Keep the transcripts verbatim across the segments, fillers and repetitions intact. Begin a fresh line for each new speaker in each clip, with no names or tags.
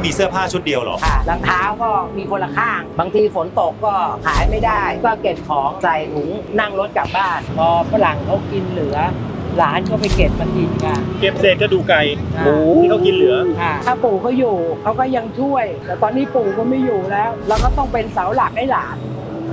มีเสื้อผ้าชุดเดียวเหรอ
ค่ะรองเท้าก็มีคนละข้างบางทีฝนตกก็ขายไม่ได้ก็เก็บของใส่ถุงนั่งรถกลับบ้านพอฝรั่งเขากินเหลือหลานก็ไปเก็บมากินกัน
เก็บเศษกระดูกไก่หมูที่เขากินเหลือ
ถ้าปู่เขาอยู่เขาก็ยังช่วยแต่ตอนนี้ปู่ก็ไม่อยู่แล้วเราก็ต้องเป็นเสาหลักให้หลาน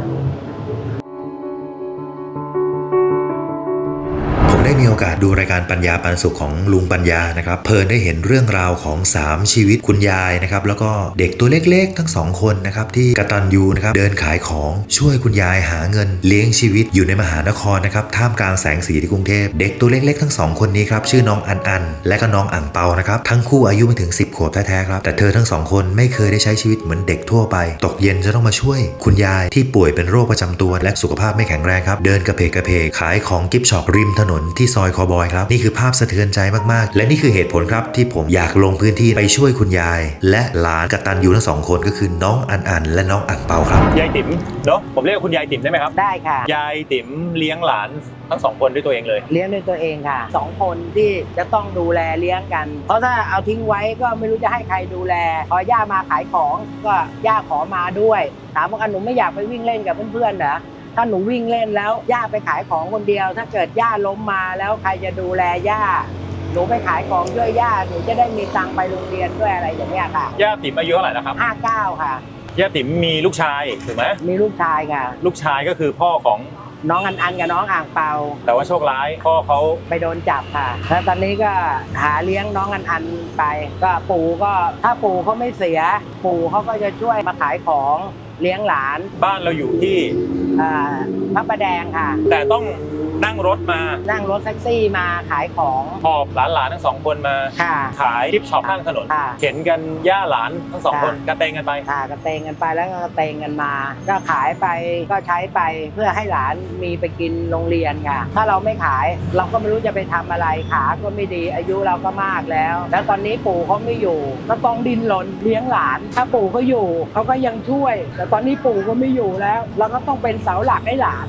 ได้มีโอกาสดูรายการปัญญาปันสุขของลุงปัญญานะครับเพลินได้เห็นเรื่องราวของสามชีวิตคุณยายนะครับแล้วก็เด็กตัวเล็กๆทั้งสองคนนะครับที่กตัญญูนะครับเดินขายของช่วยคุณยายหาเงินเลี้ยงชีวิตอยู่ในมหานครนะครับท่ามกลางแสงสีที่กรุงเทพเด็กตัวเล็กๆทั้งสองคนนี้ครับชื่อน้องอันอันและก็น้องอ่างเปานะครับทั้งคู่อายุไม่ถึงสิบขวบแท้ๆครับแต่เธอทั้งสองคนไม่เคยได้ใช้ชีวิตเหมือนเด็กทั่วไปตกเย็นจะต้องมาช่วยคุณยายที่ป่วยเป็นโรคประจำตัวและสุขภาพไม่แข็งแรงครับเดินกระเพกกระเพกขายของกิฟต์ช็อปริมถนนที่ซอยคอบอยครับนี่คือภาพสะเทือนใจมากๆและนี่คือเหตุผลครับที่ผมอยากลงพื้นที่ไปช่วยคุณยายและหลานกตัญญูทั้งสองคนก็คือน้องอันอันและน้องอ่างเปาครับ
ยายติ๋มเนาะผมเรียกคุณยายติ๋มได้ไหมครับ
ได้ค่ะ
ยายติ๋มเลี้ยงหลานทั้งสองคนด้วยตัวเองเลย
เลี้ยงด้วยตัวเองค่ะสองคนที่จะต้องดูแลเลี้ยงกันเพราะถ้าเอาทิ้งไว้ก็ไม่รู้จะให้ใครดูแลพอย่ามาขายของก็ย่าขอมาด้วยถามว่าหนูไม่อยากไปวิ่งเล่นกับเพื่อนๆเหรอถ้าหนูวิ่งเล่นแล้วย่าไปขายของคนเดียวถ้าเกิดย่าล้มมาแล้วใครจะดูแลย่าหนูไปขายของช่วยย่าหนูจะได้มีตังค์ไปโรงเรียนด้วยอะไรอย่างเงี้ยค่ะ
ย่าติ๋มอายุเท่าไหร่แล้วครับ
ห้าเก้าค่ะ
ย่าติ๋มมีลูกชายถูกไหม
มีลูกชายค่ะ
ลูกชายก็คือพ่อของ
น้องอันอันกับน้องอ่างเปา
แต่ว่าโชคร้ายพ่อเขา
ไปโดนจับค่ะแล้วตอนนี้ก็หาเลี้ยงน้องอันอันไปก็ปู่ก็ถ้าปู่เขาไม่เสียปู่เขาก็จะช่วยมาขายของเลี้ยงหลาน
บ้านเราอยู่ที่
พระประแดงค่ะ
แต่ต้องนั่งรถมา
นั่งรถแท็กซี่มาขายของ
หอบหลานๆทั้งสองคนมาขายกิฟต์ช็อปข้างถนนเข็นกันย่าหลานทั้งสองคนกระเตงกันไป
ค่ะกระเตงกันไปแล้วก็กระเตงกันมาก็ขายไปก็ใช้ไปเพื่อให้หลานมีไปกินโรงเรียนค่ะถ้าเราไม่ขายเราก็ไม่รู้จะไปทำอะไรขาก็ไม่ดีอายุเราก็มากแล้วแล้วตอนนี้ปู่เขาไม่อยู่ก็ต้องดิ้นรนเลี้ยงหลานถ้าปู่เขาอยู่เขาก็ยังช่วยแต่ตอนนี้ปู่ก็ไม่อยู่แล้วเราก็ต้องเป็นเสาหลักให้หลาน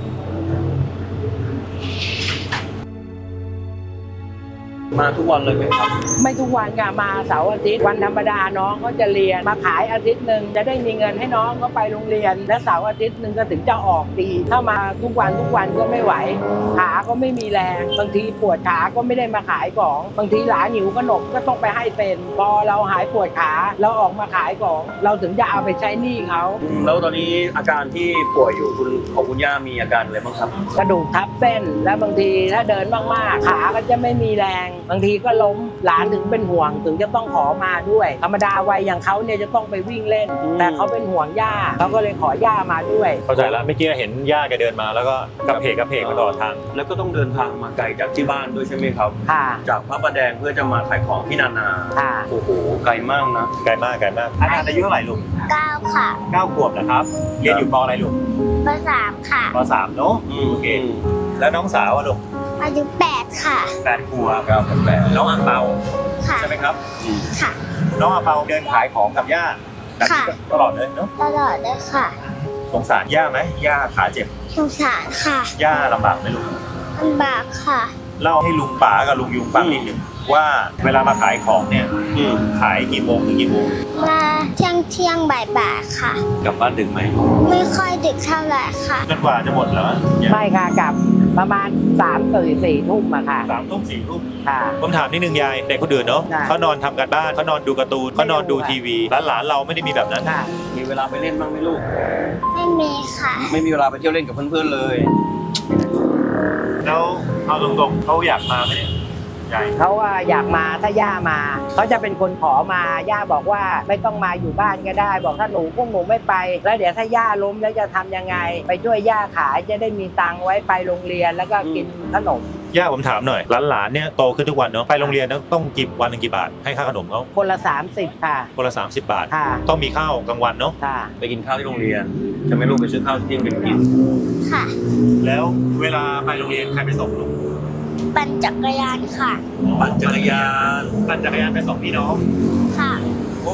มาทุกวันเลยไหมครับ
ไม่ทุกวันค่ะมาเสาร์อาทิตย์วันธรรมดาน้องเขาจะเรียนมาขายอาทิตย์หนึ่งจะได้มีเงินให้น้องเขาไปโรงเรียนและเสาร์อาทิตย์หนึ่งก็ถึงจะออกดีถ้ามาทุกวันทุกวันก็ไม่ไหวขาก็ไม่มีแรงบางทีปวดขาก็ไม่ได้มาขายของบางทีหลานหิวขนมก็ต้องไปให้เป็นพอเราหายปวดขาเราออกมาขายของเราถึงจะเอาไปใช้หนี้เขา
แล้วตอนนี้อาการที่ป่วยอยู่คุณของคุณย่ามีอาการอะไรบ้างครับ
กระดูกทับเส้นและบางทีถ้าเดินมากๆขาก็จะไม่มีแรงบางทีก็ล้มหลานถึงเป็นห่วงถึงจะต้องขอมาด้วยธรรมดาวัยอย่างเขาเนี่ยจะต้องไปวิ่งเล่นแต่เขาเป็นห่วงย่าเขาก็เลยขอย่ามาด้วย
เข้าใจแล้วเมื่อกี้เห็นย่าแกเดินมาแล้วก็กระเพกกระเพกมาตลอดทาง
แล้วก็ต้องเดินทางมาไกลจากที่บ้านด้วยใช่ไหมครับ
ค่ะ
จากพระประแดงเพื่อจะมาขายของที่นานา
ค่ะ
โอ้โหไกลมากนะ
ไกลมากไกลมากอาจารย์อายุเท่าไหร่ลุง
เก้าค่ะ
เก้าขวบนะครับเรียนอยู่ป.อะไรลุง
ป.สามค่ะ
ป.สามเนาะโอเคแล้วน้องสาวอะลุง
อายุแปดค่ะ
แปดขวบครับแปดน้องอ่างเปาใช่ไหมครับ
ค่ะ
น้องอ่างเปาเดินขายของกับย่าตลอดเลยเนาะ
ตลอดเลยค่ะ
สงสารย่าไหมย่าขาเจ็บ
สงสารค่ะ
ย่าลำบากไหมลุง
ลำบากค่ะ
เล่าให้ลุงป๋ากับลุงยุงฟังนิดนึงว่าเวลามาขายของเนี่ยขายกี่โมงถึงกี่โมง
มาเที่ยงเที่ยงบ่ายบ่ายค่ะ
กลับบ้านดึกไหม
ไม่ค่อยดึกเท่าไหร่ค่ะ
จนกว่าจะหมดแล้ว
ไม่ค่ะกลับประมาณสามสี่สี่ทุ่มอะค่ะ
สามทุ่มสี่ทุ่ม
ค่ะ
ผมถามนิดนึงยายเด็กคนอื่นเนาะเขานอนทำการบ้านเขานอนดูการ์ตูนเขานอนดูทีวีหลานเราไม่ได้มีแบบนั้น
มีเวลาไปเล่นบ้างไหมลูก
ไม่มีค่ะ
ไม่มีเวลาไปเที่ยวเล่นกับเพื่อนๆเลย
แล้วเอาตรงๆเขาอยากมาไหมเนี่ย
เขาว่าอยากมาถ้าย่ามาเขาจะเป็นคนขอมาย่าบอกว่าไม่ต้องมาอยู่บ้านก็ได้บอกถ้าหนูพวกหนูไม่ไปแล้วเดี๋ยวถ้าย่าล้มแล้วจะทำยังไงไปช่วยย่าขายจะได้มีตังค์ไว้ไปโรงเรียนแล้วก็กินขนม
ย่าผมถามหน่อยหลานๆเนี่ยโตขึ้นทุกวันเนาะไปโรงเรียนต้องกี่วันนึงกี่บาทให้ค่าขนมเขา
คนละสามสิบค่ะ
คนละสามสิบบาท
ค่ะ
ต้องมีข้าวกลางวันเนาะ
ค่ะ
ไปกินข้าวที่โรงเรียนจะไม่ลูกไปซื้อข้าวที่กินกิน
ค่ะ
แล้วเวลาไปโรงเรียนใครไปส่งลูก
ปั่นจักรยานค่ะ
ปั่นจักรยาน
ปั่นจักรยานไปส่งพี่น้อง
ค่ะ
โอ้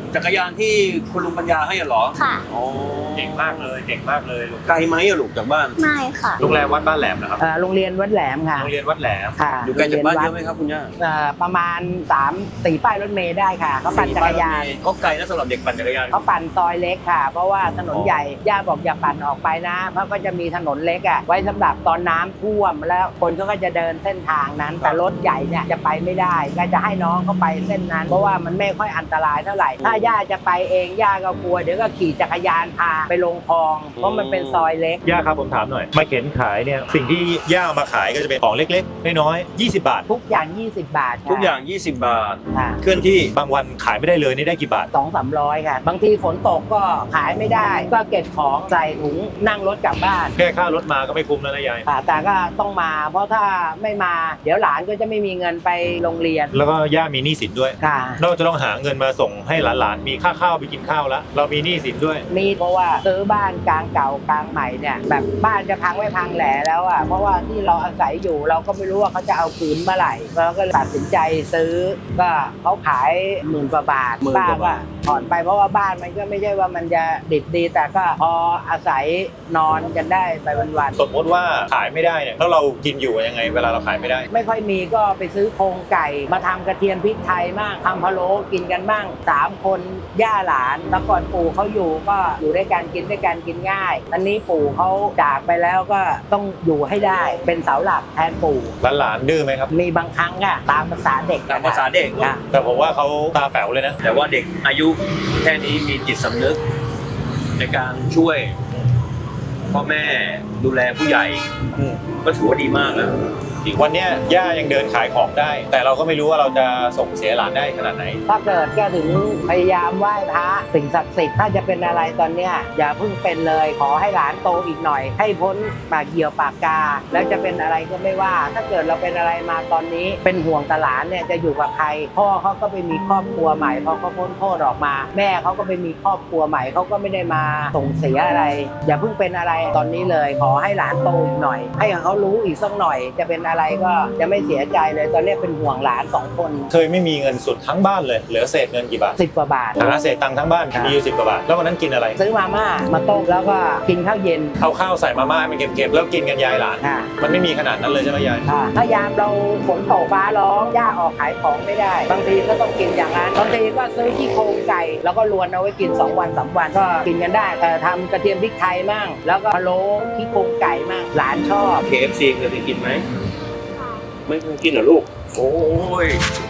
จักรยานที่คุณลุงปัญญาให้เหรอ
ค่ะ
อ๋อ
เก่งมากเลยเก่งมากเลยลูก
ไกลไหมอะลูกจากบ้าน
ไม่ค่ะ
โรงแรมวัดบ้านแหลมนะครับ
เอ่อโรงเรียนวัดแหลมค่ะ
โรงเรียนวัดแหลม
ค่ะ
อยู่ไกลจากบ้านเย
โรง
อะไหม
รีวัด
ครับคุณย่า
เอ่อประมาณสามสี่ป้ายรถเมล์ได้ค่ะเขาปั่นจักรยาน
ก็ไกลนะสำหรับเด็กปั่นจักรยาน
เขาปั่นซอยเล็กค่ะ เพราะว่าถนนใหญ่ย่าบอกอย่าปั่นออกไปนะเพราะก็จะมีถนนเล็กอ่ะไว้สำหรับตอนน้ำท่วมแล้วคนเขาก็จะเดินเส้นทางนั้น แต่รถใหญ่เนี่ยจะไปไม่ได้ก็จะให้น้องเขาไปเส้นนั้น เพราะว่ามันไม่ค่อยอันตรายเท่าไหร่ถ้าย่าจะไปเองย่าก็กลัวเดี๋ยวก็ขี่จักรยานพาไปลงคลองเพราะมันเป็นซอยเล็ก
ย่าครับผมถามหน่อยมาเข็นขายเนี่ยสิ่งที่ย่าเอามาขายก็จะเป็นของเล็กๆน้อยๆยี่สิบบาท
ทุกอย่างยี่สิบบาทค่ะ
ทุกอย่าง ยี่สิบบาท
ค่ะ
เคลื่อนที่
บางวันขายไม่ได้เลยนี่ได้กี่บาท
สองสามร้อยค่ะ บางทีฝนตกก็ขายไม่ได้ ก็เก็บของใส่ถุงนั่งรถกลับบ้าน
แค่ค่ารถมาก็ไม่คุ้มแล้วนะยาย
ค่ะแต่ก็ต้องมา เพราะถ้าไม่มา เดี๋ยวหลานก็จะไม่มีเงินไปโรงเรียน
แล้วก็ย่ามีหนี้สินด้วย
ค่ะ
เราจะต้องหาเงินมาส่งให้หลานๆมีค่าข้าวไปกินข้าวแล้วเรามีหนี้สินด้วย
มีเพราะว่าซื้อบ้านกลางเก่ากลางใหม่เนี่ยแบบบ้านจะพังไม่พังแหล่แล้วอ่ะเพราะว่าที่เราอาศัยอยู่เราก็ไม่รู้ว่าเขาจะเอาคืนเมื่อไหร่เราก็เลยตัดสินใจซื้อก็เขาขายหมื่นกว่าบาท
หมื่น
ป้าก
ว่า
ก็
บาท
ผ่อนไปเพราะว่าบ้านมันก็ไม่ใช่ว่ามันจะดิบดี แต่ก็พออาศัยนอนกันได้ไปวัน
สมมติว่าขายไม่ได้เนี่ยแล้วเรากินอยู่ยังไงเวลาเราขายไม่ได้
ๆไม่ค่อยมีก็ไปซื้อโครงไก่มาทำกระเทียมพริกไทยบ้างทำพะโล้กินกันบ้างสามคนย่าหลานแล้วก่อนปู่เขาอยู่ก็อยู่ด้วยกันกินด้วยกันกินง่ายอันนี้ปู่เขาจากไปแล้วก็ต้องอยู่ให้ได้เป็นเสาหลักแทนปู่
หลานๆดื้อไหมครับ
มีบางครั้งอะตามภาษาเด็ก
ตามภาษาเด็ก
ค่ะ
แต่ผมว่าเขาตาแป๋วเลยนะ
แต่ว่าเด็กอายุแค่นี้มีจิตสำนึก ในการช่วยพ่อแม่ดูแลผู้ใหญ่
อืม
ก็ถือว่าดีมากนะ
วันเนี้ยย่ายังเดินขายของได้ แต่เราก็ไม่รู้ว่าเราจะส่งเสียหลานได้ขนาดไหน
ถ้าเกิดก็ถึงพยายามไหว้พระสิ่งศักดิ์สิทธิ์ถ้าจะเป็นอะไรตอนเนี้ยอย่าเพิ่งเป็นเลยขอให้หลานโตอีกหน่อย ให้พ้นปากเหยี่ยวปากกา แล้วจะเป็นอะไรก็ไม่ว่า ถ้าเกิดเราเป็นอะไรมาตอนนี้เป็นห่วงตาหลานเนี่ยจะอยู่กับใคร พ่อเขาก็ไปมีครอบครัวใหม่พอเขาพ้นโทษออกมา แม่เขาก็ไปมีครอบครัวใหม่เขาก็ไม่ได้มาส่งเสียอะไร อย่าเพิ่งเป็นอะไรตอนนี้เลย ขอให้หลานโตอีกหน่อย ให้เขารู้อีกสักหน่อย จะเป็นอะไรก็จะไม่เสียใจเลยตอนนี้เป็นห่วงหลานสองคน
เคยไม่มีเงินสุดทั้งบ้านเลยเหลือเศษเงินกี่บาท
สิบกว่าบาท
หาเศษตังค์ทั้งบ้าน
ครับ
มีอยู่สิบกว่าบาทแล้ววันนั้นกินอะไร
ซื้อมาม่ามาต้มแล้วก็กินข้าวเย็น
เอาข้าวใส่มาม่าให้มันเค็มๆแล้วกินกันยายหลาน
ค่ะ
มันไม่มีขนาดนั้นเลยใช่ไหมยาย
ค่ะถ้ายามเราฝนตกฟ้าร้องย่าออกขายของไม่ได้ บางทีก็ต้องกินอย่างนั้นบางทีก็ซื้อที่โครงไก่แล้วก็ลวนเอาไว้กินสองวันสามวันก็กินกันได้แต่ทำกระเทียมพริกไทยมั่งแล้วก็พะโล้ที่โครงไก่มั่งหลานชอบ
เค เอฟ ซี เคยไปกินไหม ไม่เคยกินเหรอลูก โอ้ย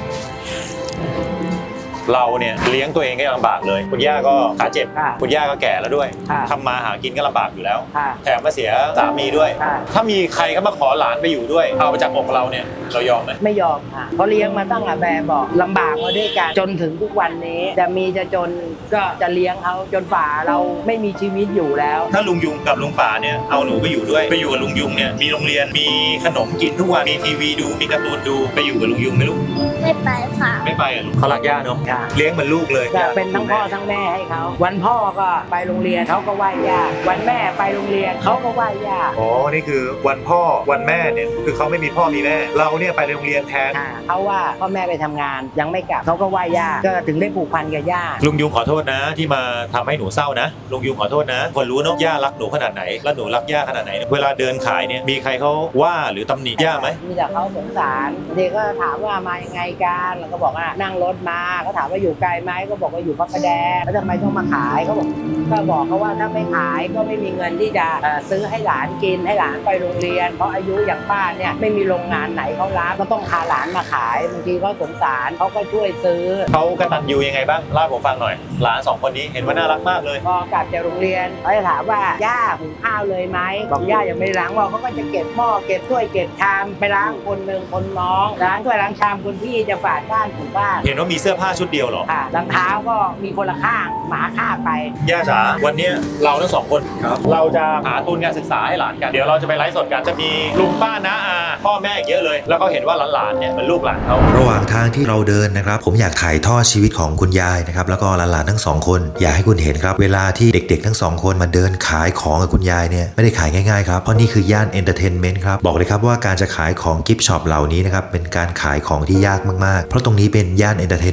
เราเนี่ยเลี้ยงตัวเองก็ยังลำบากเลย คุณย่าก็ขาเจ็บ
ค่ะ
คุณย่าก็แก่แล้วด้วย
ค่ะ
ทำมาหากินก็ลำบากอยู่แล้ว
ค่ะ
แถมมาเสียสามีด้วย
ค่ะ
ถ้ามีใครเข้ามาขอหลานไปอยู่ด้วย เอาไปจากอกเราเนี่ยเรายอมไหม
ไม่ยอมค่ะเพราะเลี้ยงมาตั้งแต่แบบบอกลำบากมาด้วยกันจนถึงทุกวันนี้ จะมีจะจนก็จะเลี้ยงเขาจนฝ่าเราไม่มีชีวิตอยู่แล้ว
ถ้าลุงยุงกับลุงป่าเนี่ยเอาหนูไปอยู่ด้วยไปอยู่กับลุงยุงเนี่ยมีโรงเรียนมีขนมกินทุกวันมีทีวีดูมีการ์ตูนดูไปอยู่กับลุงยุงไหมลูก
ไม่ไปค่ะ
ไม่ไปอ่ะลูกเขารักย่าเนาะ
ค่ะ
เลี้ยงเหมือนลูกเลย
ก็เป็นทั้งพ่อทั้งแม่ให้เขาวันพ่อก็ไปโรงเรียนเขาก็ไหว้ย่าวันแม่ไปโรงเรียนเขาก็ไหว้ย่า
อ๋อนี่คือวันพ่อวันแม่เนี่ยคือเขาไม่มีพ่อมีแม่ เราเนี่ยไปโรงเรียนแทน
อ่าเขาว่าพ่อแม่ไปทำงานยังไม่กลับเขาก็ไหว้ย่าก็ถึงได้ผูกพันกับย่า
ลุงยุงขอโทษนะที่มาทำให้หนูเศร้านะลุงยุงขอโทษนะคนรู้เนอะย่ารักหนูขนาดไหนแล้วหนูรักย่าขนาดไหน เวลาเดินขายเนี่ยมีใครเขาว่าหรือตำหนิย่าไหม
มีแต่เขาสงสารบางทีก็ถามว่ามายังไงกันแล้วก็บอกว่านั่งรถมาเขาถามว่าอยู่ไกลไหมก็บอกว่าอยู่พระประแดงแล้วทำไมต้องมาขายเขาบอกก็บอกเขาว่าถ้าไม่ขายก็ไม่มีเงินที่จะเอ่อซื้อให้หลานกินให้หลานไปโรงเรียน เพราะอายุอย่างป้าเนี่ยไม่มีโรงงานไหนเขารับก็ต้องพาหลานมาขายบางทีก็สงสารเขาก็ช่วยซื้อ
เขากตัญญูยังไงบ้างเล่าให้ผมฟังหน่อย หลานสองคนนี้เห็นว่าน่ารักมากเลย
พอกลับจากโรงเรียนเขาจะถามว่าย่าหุงข้าวเลยไหมบอกย่ายังไม่ได้ล้างหม้อเขาก็จะเก็บหม้อเก็บถ้วยเก็บชามไปล้างคนหนึ่งคนน้องล้างถ้วยล้างชามคนพี่จะฝาดบ้านถูบ้าน
เห็นว่ามีเสื้อผ้าชุดเดียวเหรอ
ค่ะรองเท้าก็มีคนละข้างหมาข้างไป
ย่าจ๋าวันเนี้ยเราทั้งสองคน
ครับ
เราจะหาทุนการศึกษาให้หลานกันเดี๋ยวเราจะไปไลฟ์สดกันจะมีลุงป้าน้าอาพ่อแม่อีกเยอะเลย แล้วก็เห็นว่าหลานๆเนี่ยเป็นลูกหลานเขา
ระหว่างทางที่เราเดินนะครับผมอยากถ่ายทอดชีวิตของคุณยายนะครับแล้วก็หลานๆทั้งสองคนอยากให้คุณเห็นครับเวลาที่เด็กๆทั้งสองคนมาเดินขายของกับคุณยายเนี่ยไม่ได้ขายง่ายๆครับเพราะนี่คือย่านเอนเตอร์เทนเมนต์ครับบอกเลยครับว่าการจะขายของกิฟต์ช็อปเหล่านี้นะครับเป็นการขายของที่ยากมากๆเพราะตรงนี้เป็นย่านเอนเตอร์เทนเมนต์ครับ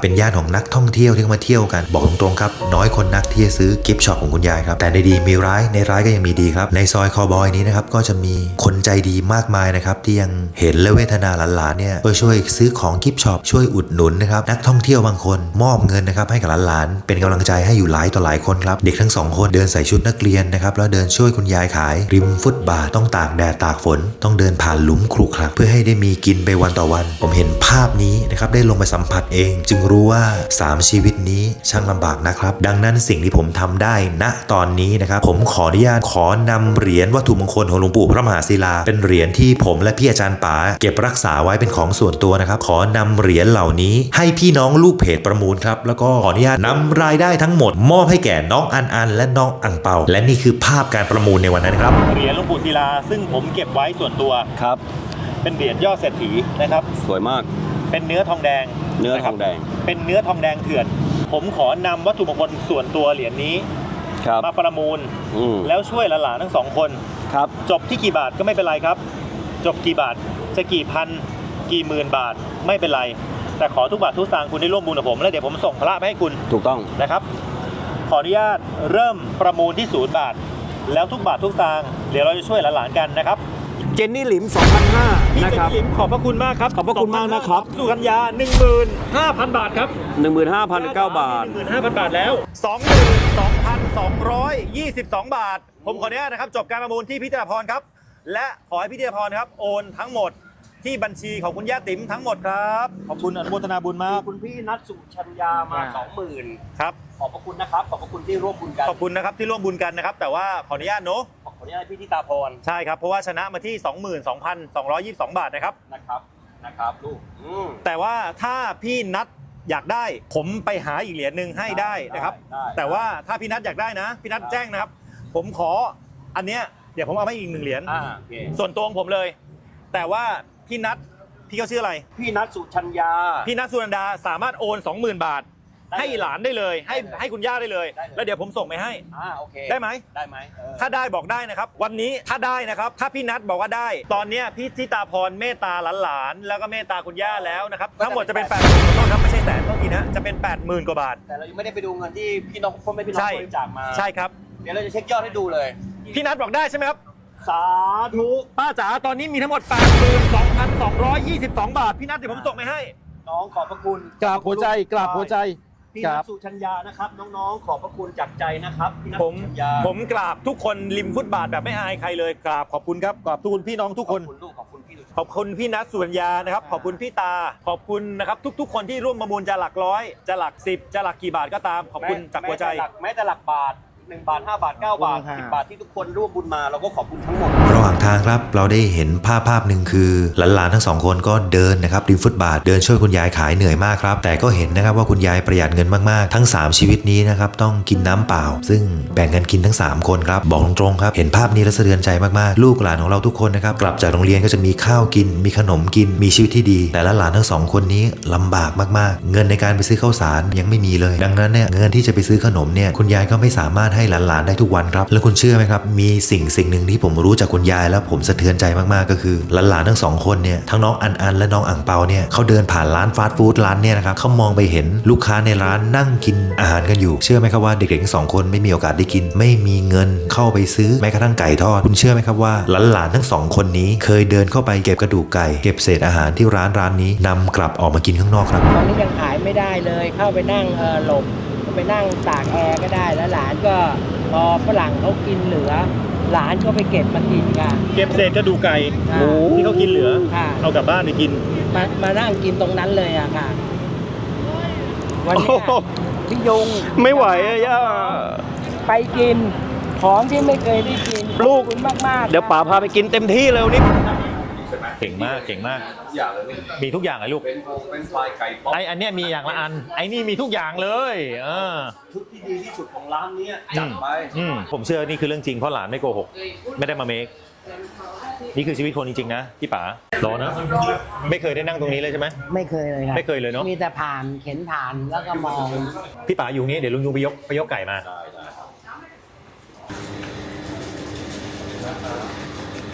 เป็นย่านของนักท่องเที่ยวที่มาเที่ยวกันบอกตรงๆครับน้อยคนนักที่จะซื้อกิฟต์ช็อปของคุณยายครับแต่ในดีมีร้ายในร้ายก็ยังมีดีครับในซอยคอบอยนี้นะครับก็จะมีคนใจดีมากมายนะครับที่ยังเห็นและเวทนาหลานๆเนี่ยก็ช่วยซื้อของกิฟต์ช็อปช่วยอุดหนุนนะครับนักท่องเที่ยวบางคนมอบเงินนะครับให้กับหลานๆเป็นกำลังใจให้อยู่หลายต่อหลายคนครับเด็กทั้งสองคนเดินใส่ชุดนักเรียนนะครับแล้วเดินช่วยคุณยายขายริมฟุตบาทต้องตากแดดตากฝนต้องเดินผ่านหลุมครุขระเพื่อให้ได้มีกินไปวันต่อวันผมเห็นภาพนี้นะครับได้ลงไปสัมผัสเองจึงรู้ว่าสามชีวิตนี้ช่างลำบากนะครับดังนั้นสิ่งที่ผมทำได้ณตอนนี้นะครับผมขออนุญาตขอนำเหรียญวัตถุมงคลของหลวงปู่พระมหาศิลาเป็นเหรียญที่ผมและพี่อาจารย์ป๋าเก็บรักษาไว้เป็นของส่วนตัวนะครับขอนำเหรียญเหล่านี้ให้พี่น้องลูกเพจประมูลครับแล้วก็ขออนุญาตนำรายได้ทั้งหมดมอบให้แก่น้องอันอันและน้องอังเปาและนี่คือภาพการประมูลในวันนั้นครับ
เหรียญหลวงปู่ศิลาซึ่งผมเก็บไว้ส่วนตัว
ครับ
เป็นเหรียญยอดเศรษฐีนะครับ
สวยมาก
เป็นเนื้อทองแดง
เนื้อทองแดง
เป็นเนื้อทองแดงเถื่อน ผมขอนำวัตถุมงคลส่วนตัวเหรียญนี้
ครับ
มาประมูล
อืม
แล้วช่วยหลานๆทั้งสองคน
ครับ
จบที่กี่บาทก็ไม่เป็นไรครับ จบกี่บาทจะกี่พันกี่หมื่นบาทไม่เป็นไร แต่ขอทุกบาททุกสตางค์คุณได้ร่วมบุญกับผมแล้วเดี๋ยวผมส่งพระไปให้คุณ
ถูกต้อง
นะครับ ขออนุญาตเริ่มประมูลที่ศูนย์บาท แล้วทุกบาททุกสตางค์เดี๋ยวเราจะช่วยหลานๆกันนะครับ
เจนนี่หลิม สองพันห้า
พี่
นะ
เจ
คน รับ
นี่หลิมขอบพระคุณมากครับ
ขอบพระคุณมากนะครับ
สุกัญญา หนึ่งหมื่นห้าพัน บาทครับ
หนึ่งหมื่นห้าพันเก้าบาท
หนึ่งหมื่นห้าพัน บาทแล้ว สองหมื่นสองพันสองร้อยยี่สิบสอง บาท ผมขออนุญาตนะครับจบการประมูลที่พี่ธีรพรครับและขอให้พี่ธีรพรครับโอนทั้งหมดที่บัญชีของคุณย่าติ๋มทั้งหมดครับขอบคุณอนุโมทนาบุญมาก
คุณพี่นัทสุชัญญามาสองหมื่น
ครับ
ขอบพระคุณนะครับ ขอบพระคุณที่ร่วมบุญกัน
ขอบคุณนะครับที่ร่วมบุญกันนะครับแต่ว่าขออนุญาตเนอะ
ขออนุญาตพี่ทิตาพร
ใช่ครับเพราะว่าชนะมาที่ สองหมื่นสองพันสองร้อยยี่สิบสอง บาทนะครับ
นะครับ นะครับลูกอืม
แต่ว่าถ้าพี่นัทอยากได้ ผมไปหาอีกเหรียญหนึ่งให้ได้นะครับ
ได้ได้
แต่ว่าถ้าพี่นัทอยากได้นะพี่นัทแจ้งนะครับ ผมขออันเนี้ยเดี๋ยวผมเอาให้อีกหนึ่งเหรียญ
อ่าโอเค
ส่วนตัวของผมเลย แต่ว่าพี่นัทพี่เขาชื่ออะไร
พี่นัทสุชัญญา
พี่นัทสุนันดาสามารถโอน สองหมื่น บาท
ได้เลย
ให้หลานได้เลยให้
ได้เลย
ให้คุณย่าได้เลย
ได้เลย
แล้วเดี๋ยวผมส่งไปให้
อ่าโอเค
ได้ไหม
ได้ไหมเออ
ถ้าได้บอกได้นะครับ วันนี้ถ้าได้นะครับ ถ้าพี่นัทบอกว่าได้ ตอนเนี้ยพี่ทิตาพรเมตตาหลานๆแล้วก็เมตตาคุณย่าแล้วนะครับทั้งหมดจะเป็นแปดหมื่นขอโทษครับไม่ใช่แสนเท่าทีนะจะเป็นแปดหมื่นกว่าบาท
แต่เรายังไม่ได้ไปดูเงินที่พี่น้องพ่อแม่พี่น้อง
ใช่
บริจาคมา
ใช่ครับ
เดี๋ยวเราจะเช็คยอดให้ดูเลย
พี่นัทบอกได้ใช่ไหมครับ
สาธุ
ป้าจ๋าตอนนี้มีทั้งหมด แปดหมื่นสองพันสองร้อยยี่สิบสอง บาทพี่นัทเดี๋ยวผมส่งไปให้
น้องขอบพระคุณ
กราบหัวใจกราบหัวใจ
พี่
ค
นั
รั
ท
บ
สุชัญญานะครับ น้องๆ ขอบพระคุณจากใจนะครับพี่นัท
ผม
สุชัญญา
ผมกราบทุกคนริมฟุตบาทแบบไม่อายใครเลยกราบขอบคุณครับกราบทุกคนพี่น้องทุก
ข
ค
อบ
น
คุณลูกขอบคุณพี่สุชัญญา
ขอบคุณพี่นัทสุวรรณยานะครับขอบคุณพี่ตาขอบคุณนะครับทุก ๆ คนที่ร่วมประมูลจะหลักร้อยจะหลักสิบจะหลักกี่บาทก็ตามขอบคุณจากหัวใจ
แม้แต่หลักแม้แต่หลักบาทหนึ่งบาทห้าบาทเก้าบาทสิบบาทที่ทุกคนร่วมบุญมาเราก็ขอบคุณทั้งหมด
ระหว่างทางครับเราได้เห็นภาพภาพหนึ่งคือหลานๆทั้งสองคนก็เดินนะครับริมฟุตบาทเดินช่วยคุณยายขายเหนื่อยมากครับแต่ก็เห็นนะครับว่าคุณยายประหยัดเงินมากๆทั้งสามชีวิตนี้นะครับต้องกินน้ำเปล่า ซึ่งแบ่งกันกินทั้งสามคนครับบอกตรงๆครับเห็นภาพนี้แล้วสะเทือนใจมากๆลูกหลานของเราทุกคนนะครับกลับจากโรงเรียนก็จะมีข้าวกินมีขนมกินมีชีวิตที่ดีแต่ละหลานทั้งสองคนนี้ลำบากมากๆเงินในการไปซื้อข้าวสารยังไม่มีเลยดังนั้นเนี่ยเงินที่จะไปซื้อขนมเนี่ยคุณยายก็ไม่สามารถให้หลานๆได้ทุกวันครับแล้วคุณเชื่อไหมครับมีสิ่งสิ่งหนึ่งที่ผมรู้จากคุณยายแล้วผมสะเทือนใจมากๆก็คือหลานๆทั้งสองคนเนี่ยทั้งน้องอันอันและน้องอ่างเปาเนี่ยเขาเดินผ่านร้านฟาสต์ฟู้ดร้านเนี่ยนะครับเขามองไปเห็นลูกค้าในร้านนั่งกินอาหารกันอยู่เชื่อไหมครับว่าเด็กๆทั้งสองคนไม่มีโอกาสได้กินไม่มีเงินเข้าไปซื้อแม้กระทั่งไก่ทอดคุณเชื่อไหมครับว่าหลานๆทั้งสองคนนี้เคยเดินเข้าไปเก็บกระดูกไก่เก็บเศษอาหารที่ร้านร้านนี้นำกลับออกมากินข้างนอกครับ
ตอนนี้ยังขายไม่ได้เลยเข้าไปนั่งเออหลบไปนั่งตากแอร์ก็ได้แล้วหลานก็พอฝรั่งเขากินเหลือ หลานก็ไปเก็บมากินค่ะ
เก็บเศษกระดูกไก่
ค่ะ
ที่เขากินเหลือ
ค่ะ
เอากลับบ้านไปกิน
มามานั่งกินตรงนั้นเลยอะค่ะวันนี้
โอ้โห
พี่ยง
ไม่ไหวอะย่า
ไปกินของที่ไม่เคยได้กิน
ลูก
ขอบคุณมากๆ
เดี๋ยวป๋าพาไปกินเต็มที่เลยวันนี้
เก่งมากเก่งมาก
อย่างเลย
มีทุกอย่างเลยลูก
เป็นโงเป็นปลายไก่ป๊อป
ไออันเนี้ยมีอย่างละอันไอนี่มีทุกอย่างเลยเออ
ชุดที่ดีที่สุดของร้านเนี้ยจัดไป
อืมผมเชื่อนี่คือเรื่องจริงเพราะหลานไม่โกหกไม่ได้มาเมคนี่คือชีวิตคนจริงๆนะพี่ป๋ารอนะไม่เคยได้นั่งตรงนี้เลยใช่ไหม
ไม่เคยเลยครับ
ไม่เคยเลยเนอะ
มีแต่ผ่านเข็นผ่านแล้วก็มอง
พี่ป๋าอยู่นี้เดี๋ยวลุงยูไปยกไปยกไก่มา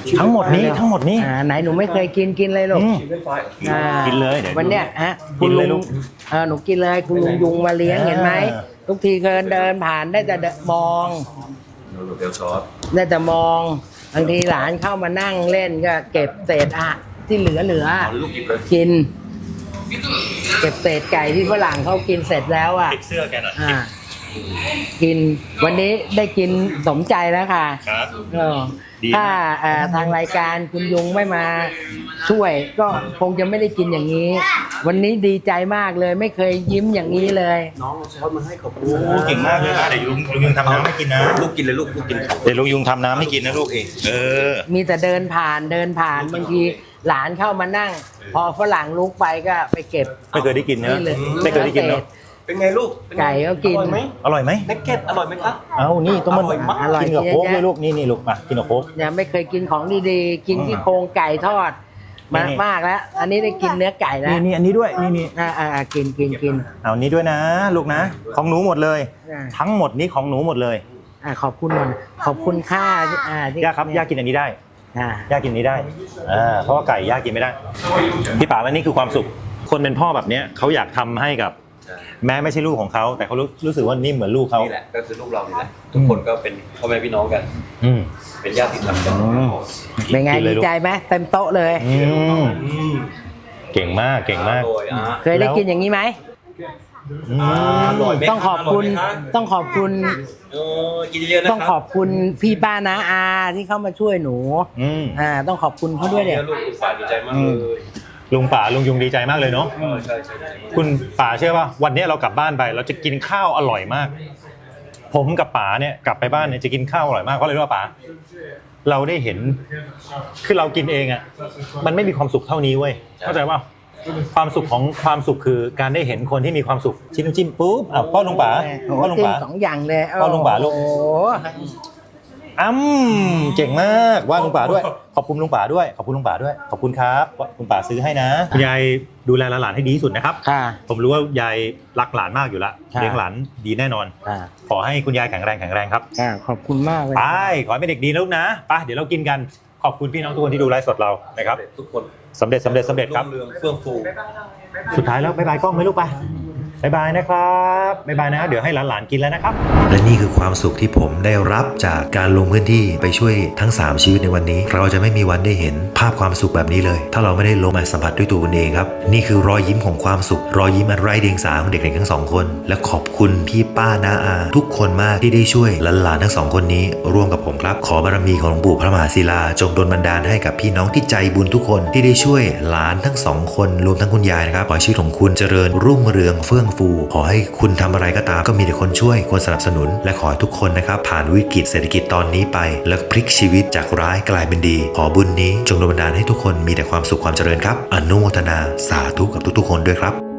ทั้งหมดนี้ทั้งหมดนี้
อ่าไหนหนูไม่เคยกินกินเลยลูก
อืม
อ่า
กินเลยเดี๋ยว
วันเนี้ยฮะ
กินเลยลูก
เออหนูกินเลยคุณลุงยุงมาเลี้ยง
อ่า
เห็นไหมทุกทีเคยเดินผ่านได้แต่เดินมอง
เดี๋ยวซอส
ได้แต่มองบางทีหลานเข้ามานั่งเล่นก็เก็บเศษอะที่เหลือเหลือ
เอาลูกหยิบเลย
กิน เก็บเศษไก่ที่ฝรั่งเขากินเสร็จแล้วอ่ะ
ปิดเสื้อแกหน่อย
อ่ากินวันนี้ได้กินสมใจแล้วค่ะ
ครับ
เออ
ดีมาก
ถ้าเอ่อทางรายการคุณยุงไม่มาช่วย ก็คงจะไม่ได้กินอย่างนี้ วันนี้ดีใจมากเลย ไม่เคยยิ้มอย่างนี้เลย
น้องเอาซอสมาให้ขอบคุณ
โอ้เก่งมากเลยนะเดี๋ยวลุงลุงยุงทำน้ำให้กินนะ
ลูกกินเลยลูกลูกกิน
เดี๋ยวลุงยุงทำน้ำให้กินนะลูกเองเออ
มีแต่เดินผ่านเดินผ่านบางทีหลานเข้ามานั่ง พอฝรั่งลุกไปก็ไปเก็บ
ไม่เคยได้กินเนอะ
นี่เลย
ไม่เคยได้กินเนอะ
เป็นไงลูกเป็นไง
ไก่ก็กิน
อร่อยไหม
อร่อยไหม
นักเก็ตอร่อยไหมครับ
เอานี่ต้องมัน
อร่อยมาก
อร่อย
กินกับโค้ก
เยอะแยะ
ด้วยลูกนี่นี่ลูกมากินกับโค้ก
เนี่ยไม่เคยกินของดีๆ กินที่โครงไก่ทอดมา
นี่
มากแล้ว อันนี้ได้กินเนื้อไก่แล้ว
นี่นี่อันนี้ด้วยนี่นี่
อ่าอ่าอ่ากินกินกิน
เอานี้ด้วยนะ ลูกนะ ของหนูหมดเลย
อ่า
ทั้งหมดนี้ของหนูหมดเลย
อ่าขอบคุณนนท์ขอบคุณค่าที่อ่าที่
ย่าครับย่ากินอันนี้ได้
อ่า
ย่ากินอันนี้ได้อ่าเพราะว่าไก่ย่ากินไม่ได้พี่ป๋าและนี่คือความสุข คนเป็นพ่อแบบเนี้ยเขาอยากทำให้กับ แม้ไม่ใช่ลูกของเขาแต่เขารู้รู้สึกว่านี่เหมือนลูกเขา
นี่แหละก็คือลูกเรานี่แหละทุกคนก็เป็นพ่อแม่พี่น้องกัน
อืม
เป็นญาติธรรมกัน
เป็นไง
กินเล
ดี
ยลูก
ใจไหมเต็มโต๊ะเลย
อืมเก่งมากเก่งมาก
อร่อยอ่ะ
เคยได้กินอย่างนี้ไหม
อืม
อร่อยไหม
ต้องขอบคุณ
ร่ยไหมรับ
ต้องขอบคุณ
เออกินเยอะๆนะ
ต้องขอบคุณพี่ป้านาอาที่เข้ามาช่วยหนู
อืม
อ่าต้องขอบคุณเขาด้วยเนี่ย
ลูกอุตส่าห์ดีใจมากเลย
ลุงป๋าลุงยุงดีใจมากเลยเนาะ
เออใช่ใช่ใช่
คุณป๋าเชื่อป่ะวันนี้เรากลับบ้านไป เราจะกินข้าวอร่อยมาก ผมกับป๋าเนี่ยกลับไปบ้านเนี่ยจะกินข้าวอร่อยมากเพราะอะไรรู้ป่ะป๋าเราได้เห็นคือเรากินเองอ่ะมันไม่มีความสุขเท่านี้เว้ยเข้าใจป่ะความสุขของความสุขคือการได้เห็นคนที่มีความสุขชิ้นน้ำจิ้มปุ๊บอ่ะป้อนลุงป๋า
โอ้โห
ป้อนลุง
จิ้ม
ป๋า
สองอย่างเลย
ป้อนลุงป๋าลูก
โอ้โห
อ้ำเจ๋งมากว่าลุงป๋าด้วยขอบคุณลุงป๋าด้วยขอบคุณลุงป๋าด้วยขอบคุณครับว่าลุงป๋าซื้อให้นะคุณยายดูแลหลานให้ดีที่สุดนะครับ
ค่ะ
ผมรู้ว่ายายรักหลานมากอยู่แล้ว
ค่ะ
เลี้ยงหลานดีแน่นอน
ค่ะ
ขอให้คุณยายแข็งแรงแข็งแรงครับ
ค่ะขอบคุณมากเลย
ไปขอให้เป็นเด็กดีนะลูกนะไปเดี๋ยวเรากินกันขอบคุณพี่น้องทุกคนที่ดูไลฟ์สดเรานะครับ
ทุกคน
สำเร็จสำเร็จสำเร็จครับ
รุ่งเรืองเฟื่องฟู
สุดท้ายแล้วบ๊ายบายกล้องไหมลูกไปบ๊ายบายนะครับบ๊ายบายนะเดี๋ยวให้หลานๆกินแล้วนะครับ
และนี่คือความสุขที่ผมได้รับจากการลงพื้นที่ไปช่วยทั้งสามชีวิตในวันนี้ เราจะไม่มีวันได้เห็นภาพความสุขแบบนี้เลย ถ้าเราไม่ได้ลงมาสัมผัสด้วยตัวเองครับนี่คือรอยยิ้มของความสุขรอยยิ้มอันไร้เดียงสาของเด็กๆทั้งสองคนและขอบคุณพี่ป้าน้าอาทุกคนมากที่ได้ช่วยหลานๆทั้งสองคนนี้ร่วมกับผมครับขอบารมีของหลวงปู่พระมหาศิลาจงดลบันดาลให้กับพี่น้องที่ใจบุญทุกคนที่ได้ช่วยหลานทั้งสองคนรวมทั้งคุณยายนะครับขอให้ชีวิตของคุณเจริญรุ่งเรืองเฟื่องฟูขอให้คุณทำอะไรก็ตามก็มีแต่คนช่วยคนสนับสนุนและขอให้ทุกคนนะครับผ่านวิกฤตเศรษฐกิจตอนนี้ไปแล้วพลิกชีวิตจากร้ายกลายเป็นดีขอบุญนี้จงดลบันดาลให้ทุกคนมีแต่ความสุขความเจริญครับอนุโมทนาสาธุกับทุกๆคนด้วยครับ